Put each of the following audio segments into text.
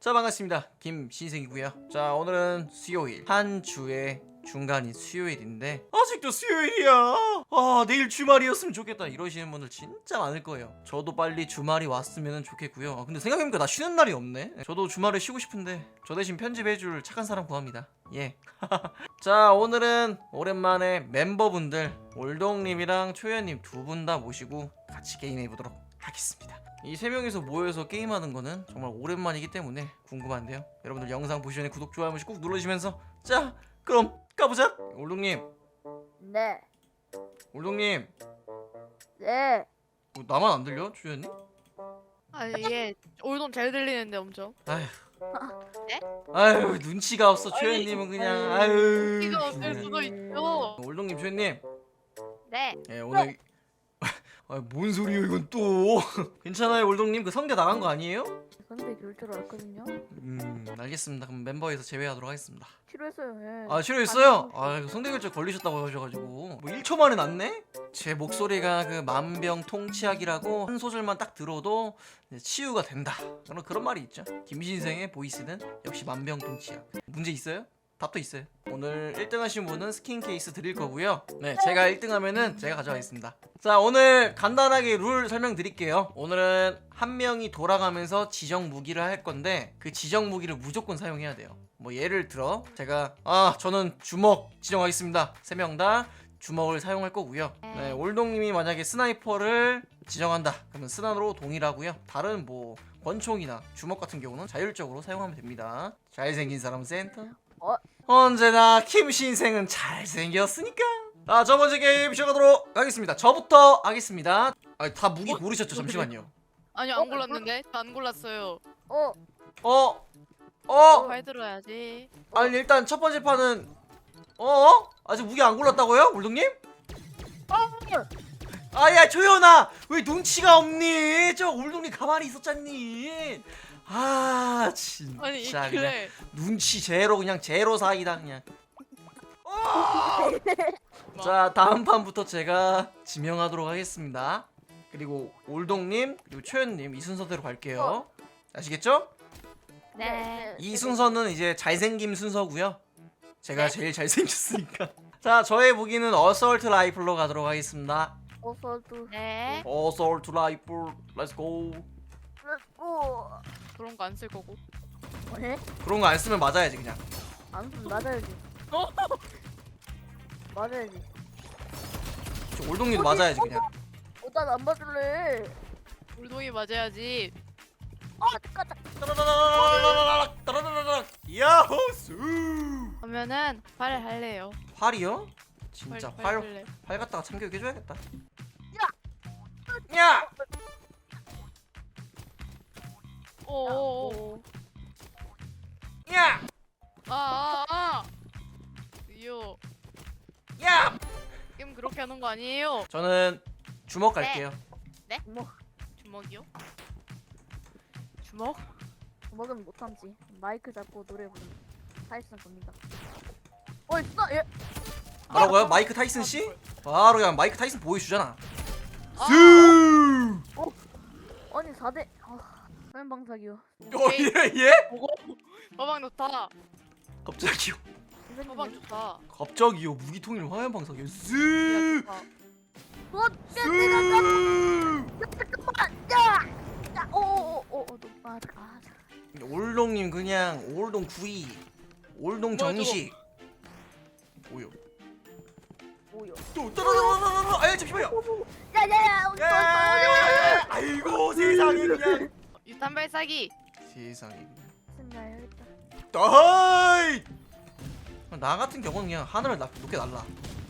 자, 반갑습니다. 김신생이고요. 자, 오늘은 수요일, 한 주의 중간인 수요일인데 아직도 수요일이야. 아, 내일 주말이었으면 좋겠다 이러시는 분들 진짜 많을 거예요. 저도 빨리 주말이 왔으면 좋겠고요. 근데 생각해보니까 나 쉬는 날이 없네. 저도 주말에 쉬고 싶은데 저 대신 편집해줄 착한 사람 구합니다. 예. 자, 오늘은 오랜만에 멤버분들 올동님이랑 초연님 두 분 다 모시고 같이 게임해보도록 하겠습니다. 이 세 명이서 모여서 게임하는 거는 정말 오랜만이기 때문에 궁금한데요. 여러분들 영상 보시기 전에 구독, 좋아요 한 번씩 꾹 눌러주시면서 자, 그럼 가보자. 올동님, 네. 올동님, 네. 나만 안 들려? 초연님? 아니 얘 올돈 잘 들리는데 엄청. 아휴, 네? 아휴, 눈치가 없어. 초연님은 그냥 아휴. 이가 없을 그냥. 수도 있죠. 올동님, 초연님, 네. 예, 오늘 아, 뭔 소리예요 이건 또? 괜찮아요, 올동님? 그 성대 나간 거 아니에요? 근데 그럴 줄 알았거든요. 알겠습니다. 그럼 멤버에서 제외하도록 하겠습니다. 치료했어요. 예. 아, 싫어했어요? 아, 성대 결절 걸리셨다고 하셔가지고 뭐 1초 만에 낫네? 제 목소리가 그 만병통치약이라고 한 소절만 딱 들어도 이제 치유가 된다, 그런 말이 있죠. 김신생의 보이스는 역시 만병통치약. 문제 있어요? 답도 있어요. 오늘 1등 하신 분은 스킨 케이스 드릴 거고요. 네, 제가 1등 하면은 제가 가져가겠습니다. 자, 오늘 간단하게 룰 설명드릴게요. 오늘은 한 명이 돌아가면서 지정 무기를 할 건데 그 지정 무기를 무조건 사용해야 돼요. 뭐 예를 들어 제가 저는 주먹 지정하겠습니다. 3명 다 주먹을 사용할 거고요. 네, 올동님이 만약에 스나이퍼를 지정한다 그러면 스나로 동일하고요. 다른 뭐 권총이나 주먹 같은 경우는 자율적으로 사용하면 됩니다. 잘생긴 사람 센터. 언제나 김신생은 잘생겼으니까. 첫 번째 게임 시작하도록 하겠습니다. 저부터 하겠습니다. 다 무기 고르셨죠? 잠시만요. 아니 안 골랐는데 안 골랐어요. 잘 들어야지. 아니, 일단 첫 번째 판은 아직 무기 안 골랐다고요? 울동님? 야, 초연아, 왜 눈치가 없니? 저 울동님 가만히 있었잖니. 진짜 아니 그냥 그래. 눈치 제로, 그냥 제로 사이다 그냥. 자, 다음 판부터 제가 지명하도록 하겠습니다. 그리고 올동님 그리고 초연님 이 순서대로 갈게요. 아시겠죠? 네. 이 순서는 이제 잘생김 순서고요. 제가 네. 제일 잘생겼으니까. 자, 저의 무기는 어설트 라이플로 가도록 하겠습니다. 어서도. 네. 어설트 라이플, 렛츠고. 렛츠고. 그런 거 안 쓸 거고. 네? 그런 거 안 쓰면 맞아야지 그냥. 안 쓰면 맞아야지. 맞아야지. 저 올동님도 맞아야지 그냥. 난안 맞을래. 올동이 맞아야지. 까짝. 따라라라라라라락, 따라라라락. 야호수. 그러면은 활 할래요. 활이요? 진짜 활 할래. 갖다가 참교육해줘야겠다. 야! 오오오. 야! 이요. 야! 게임 그렇게 하는 거 아니에요? 저는 주먹 갈게요. 네? 뭐 주먹이요? 주먹? 먹으면 못 참지. 마이크 잡고 노래 부르는 타이슨 겁니다. 있어. 예. 뭐라고요? 마이크 타이슨 씨? 바로 그냥 마이크 타이슨 보여주잖아. 아니 4대. 화면 방사기요. 예? 보고. 화방 좋다. 갑자기요? 화방 좋다. 갑자기요? 무기통일 화면 방사기요? 야, 쓱! 좋다. 잠깐만. 야. 너 올동님 그냥 올동 구이, 올동 정식. 뭐요? 뭐야? 또 따라라라라라. 잠시만요. 야야야. 야! 아이고 세상에 그냥. 유탄 발사기. 세상에 그냥. 승가야겠다. 다이! 나 같은 경우는 그냥 하늘을 높게 날라.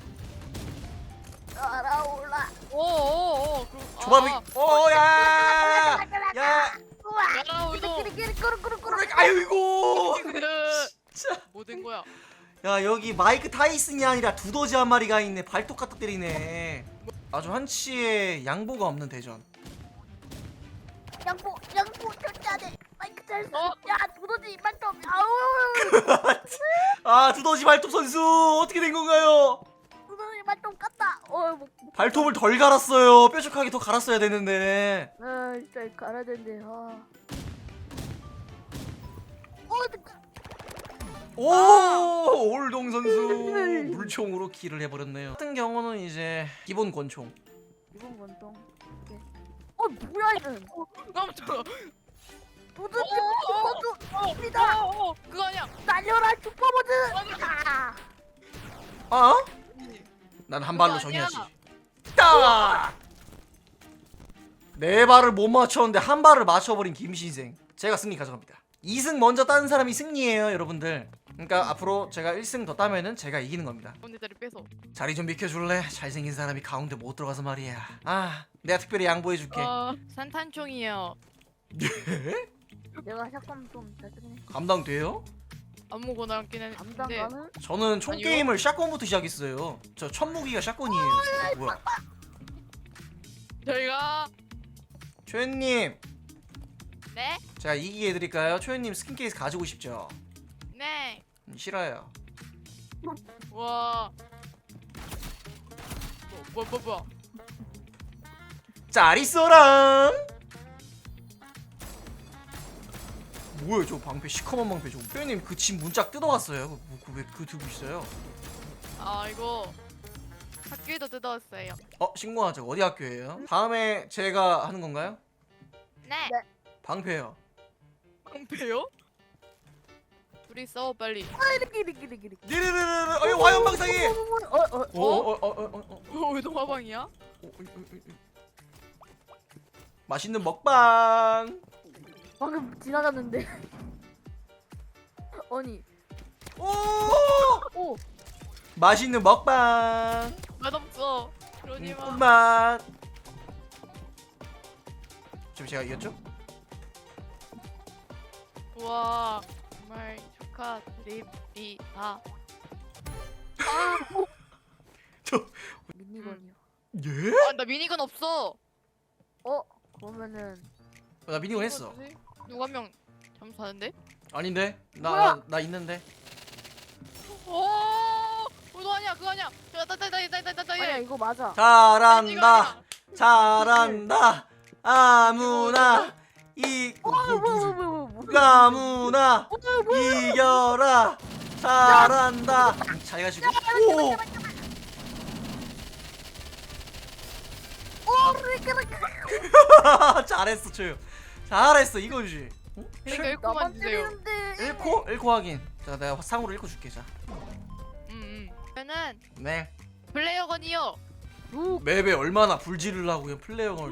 날아올라. 오오오. 조밥이. 야! 야! 야 올동. 꾸르꾸르꾸르꾸르. 아이고. 진짜. 뭐 된 거야? 야, 여기 마이크 타이슨이 아니라 두더지 한 마리가 있네. 발톱 갖다 때리네. 아주 한치의 양보가 없는 대전. 양보 절자네. 마이크 잘 써. 어? 야 두더지 발톱. 아우. 두더지 발톱 선수 어떻게 된 건가요? 두더지 발톱 깠다. 발톱을 덜 갈았어요. 뾰족하게 더 갈았어야 되는데. 진짜 갈아야 되는데. 오 올동 선수 물총으로 킬을 해버렸네요. 같은 경우는 이제 기본 권총. 이번 권총. 오케이. 뭐야 이건? 깜짝이야. 모두 슈퍼주입니다. 그거 아니야. 날려라 슈퍼보드. 아? 난 한 발로 그거 아니야. 정해야지. 딱! 네 발을 못 맞췄는데 한 발을 맞춰버린 김신생. 제가 승리 가져갑니다. 2승 먼저 따는 사람이 승리예요, 여러분들. 그러니까 앞으로 제가 1승 더 따면은 제가 이기는 겁니다. 가운데 자리 뺏어. 자리 좀 비켜줄래? 잘생긴 사람이 가운데 못 들어가서 말이야. 아, 내가 특별히 양보해줄게. 산탄총이요. 내가 샷건 좀잘 쓰긴 해. 감당돼요? 아무거나 안 끼는. 감당 네. 가는? 저는 총 아니요. 게임을 샷건부터 시작했어요. 저 첫 무기가 샷건이에요. 뭐야? 저희가 초연님, 네? 제가 이기게 해드릴까요? 초연님 스킨 케이스 가지고 싶죠? 네. 싫어요. 와. 뭐야? 잘 있어라. 뭐야 저 방패 시커먼 방패 저. 초연님 그 집 문짝 뜯어왔어요. 왜 그거 들고 있어요? 아 이거 학교에도 뜯어왔어요. 신고하죠. 어디 학교예요? 다음에 제가 하는 건가요? 네. 방패요. 방패요? 둘이 싸워 빨리. 이리기리기리기리. 리르르르. 어이 화염방사기. 왜 너 화방이야? 맛있는 먹방. 방금 지나갔는데. 아니. 오. 맛있는 먹방. 맛없어. 그러지 마. 꿀맛. 지금 제가 이겼죠? 와 정말 축하드립니다. 미니건이요. 예? 나 미니건 없어. 그러면은 나 미니건 했어. 누가 한 명 잠수하는데? 아닌데? 뭐야? 나 있는데. 그거 아니야 그거 아니야. 아니야 이거 맞아. 잘한다. 잘한다. 아무나 아무나 이겨라. 잘한다. 잘 가시고. 오. 잘했어, 조용. 잘했어, 이거지. 그러니까 나만 1코만 주세요. 때리는데. 1코 확인. 자, 내가 상으로 1코 줄게. 자. 저는 네. 플레이어건이요. 맵에 얼마나 불지르려고요, 플레이어걸.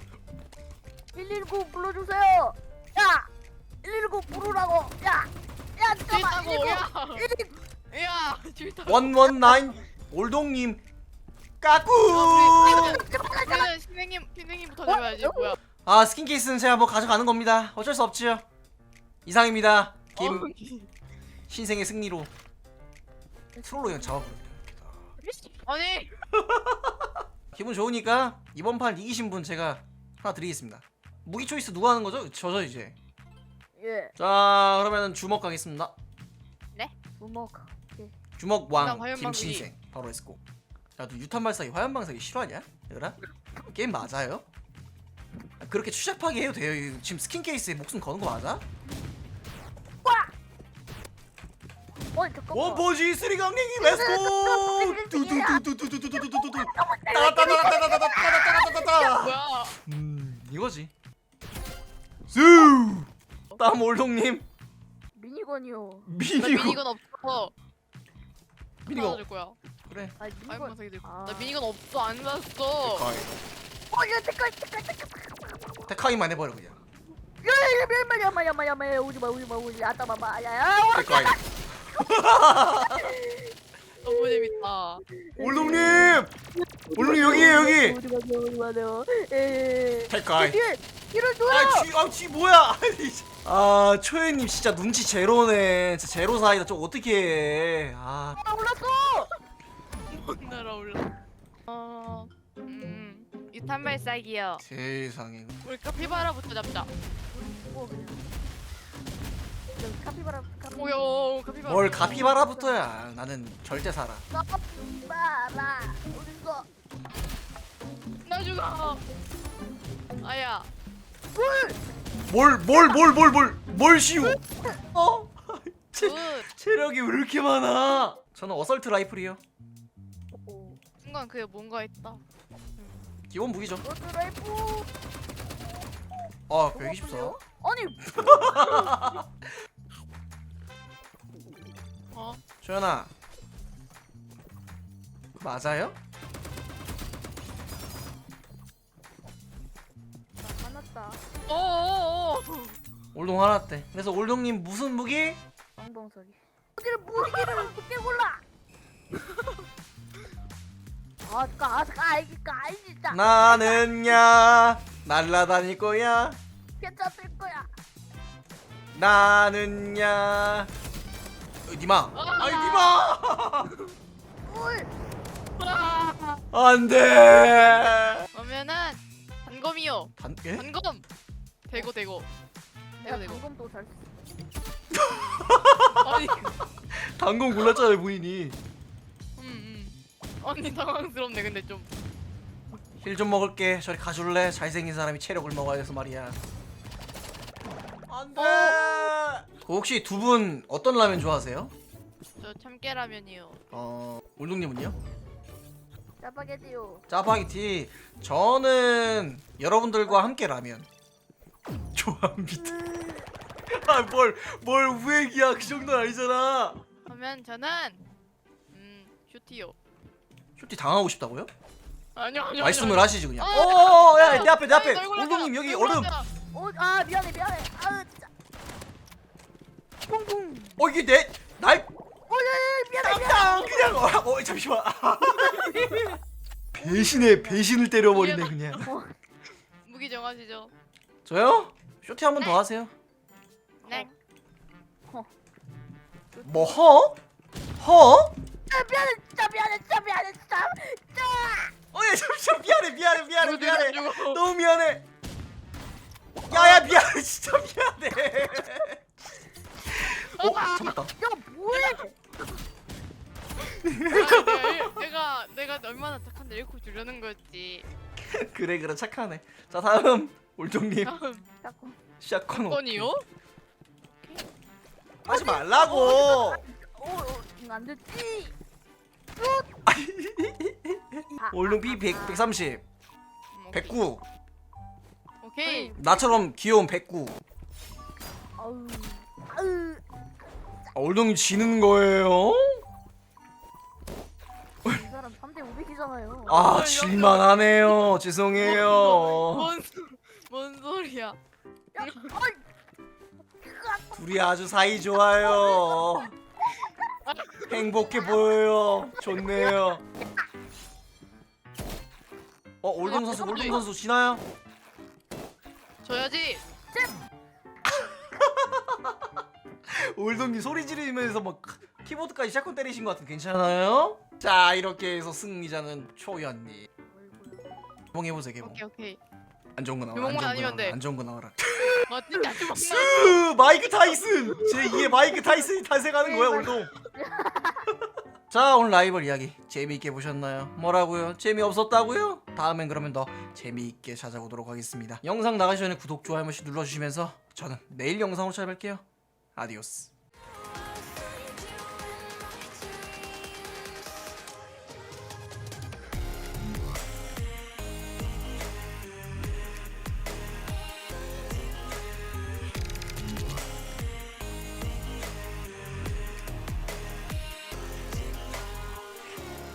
119 불러주세요. 야, 119 부르라고. 야, 잠깐만. 싫다고 119. 야 싫다. 119 올동님 까꾸. 우리는 신생님부터 잡아야지 뭐야. 아, 스킨 케이스는 제가 뭐 가져가는 겁니다. 어쩔 수 없지요. 이상입니다. 신생의 승리로 트롤로 그냥 잡아버립니다. 아니 기분 좋으니까 이번 판 이기신 분 제가 하나 드리겠습니다. 무기 초이스 누가 하는 거죠? 저죠 이제. 예, 자, 그러면 주먹 가겠습니다. 주먹. 주먹 왕 그다음 화염방사기. 김신생 바로 렛츠고. 야, 너 유탄 발사기 화염 방사기 싫어하냐? 얘들아? 게임 맞아요? 그렇게 추잡하게 해도 돼요. 이거 지금 스킨 케이스에 목숨 거는 거 맞아? 잠깐만. 원포지 쓰리 강냉이 렛츠고. 두두두두두두두두두두. 따다다다다다다다다다다다. 뭐야. 이거지. 수. 다음 올동님. 미니건이요. 나 미니건. 미니건 없어. 미니건. 줄 거야. 그래. 아니 미니건. 화염방사기 들고. 아. 나 미니건 없어 안 샀어. 야, 잠깐. 테카이만 해버려 그냥. 야마야마야마야 오지마 아따마마 야야. 테카이. 너무 재밌다. 올동님. 올동님 여기에요 여기. 오지마요. 테카이. 이럴 줘요. 쥐 뭐야? 아, 초연님 진짜 눈치 제로네. 진짜 제로 사이다. 좀 어떻게 해? 아, 올랐어. 못 날아올라. 유탄 발사기요. 세상에. 우리 카피바라부터 잡자. 카피바라. 오요 카피바라. 뭘 가피바라부터야. 나는 절대 살아. 카피바라. 어딨어? 나 죽어. 아야. 뭘 쉬우? 체력이 왜 이렇게 많아? 저는 어설트 라이플이요. 오. 순간 그게 뭔가 있다. 기본 무기죠. 로드라이프. 아 124. 아니 어? 조연아 맞아요? 화났다. 어어어. 올동 화났대. 그래서 올동님 무슨 무기? 엉덩소리. 어디를 무기를 어떻게 골라? 아까 진짜 나는야 날라다닐 거야. 괜찮을 거야. 나는야 니마. 아니 니마. 울. 안돼. 그러면은 단검이요. 예? 단검. 대고. 내가 대고. 방금도 잘. 아니. 단검 골랐잖아요 본인이. 언니 당황스럽네 근데 좀. 힐 좀 먹을게. 저리 가줄래? 잘생긴 사람이 체력을 먹어야 돼서 말이야. 안돼. 혹시 두 분 어떤 라면 좋아하세요? 저 참깨라면이요. 올동님은요? 짜파게티요. 짜파게티. 저는 여러분들과 함께 라면 좋아합니다. 뭘 우액이야. 그 정도는 아니잖아. 그러면 저는 슈티요. 쇼티 당하고 싶다고요? 아니요. 말씀을 하시지 그냥. 아, 야, 내 앞에 널 골라줘. 올동님 여기 널 얼음. 골라줘. 아 미안해. 아 진짜. 뿡뿡. 이게 날 미안해. 땅 그냥 잠시만. 배신을 때려버리네 그냥. 무기 정하시죠. 저요? 쇼티 한 번 더 하세요. 네. 뭐 허? 허? 미안해. 야 잠시만 미안해. 죽어. 너무 미안해. 야야 미안해 진짜 미안해. 잡았다. 야 뭐해? 내가 얼마나 착한데 잃고 주려는 거였지. 그래 착하네. 자 다음 올종님 자꾸. 샷건 건이요? 하지 말라고. 안 됐지. 올롱 B 130 109. 오케이. 나처럼 귀여운 109. 아우. 올동이 지는 거예요? 이 사람 3대 500이잖아요. 아 질만하네요. 죄송해요. 뭔 소리야? 야, 어이. 둘이 아주 사이 좋아요. 행복해 보여요. 좋네요. 올동 선수 지나요? 줘야지. 올동님 소리 지르면서 막 키보드까지 샷건 때리신 것 같은데 괜찮아요? 자 이렇게 해서 승리자는 초연님. 개봉해보세요 개봉. 오케이. 안 좋은 거 나와라. 개봉만 아니면 돼. 안 좋은 거 나와라. 진짜 좀 스 마이크 타이슨. 제2의 마이크 타이슨이 탄생하는 거야 올동. 자 오늘 라이벌 이야기 재미있게 보셨나요? 뭐라고요? 재미없었다고요? 다음엔 그러면 더 재미있게 찾아오도록 하겠습니다. 영상 나가기 전에 구독, 좋아요 한 번씩 눌러주시면서 저는 내일 영상으로 찾아뵐게요. 아디오스.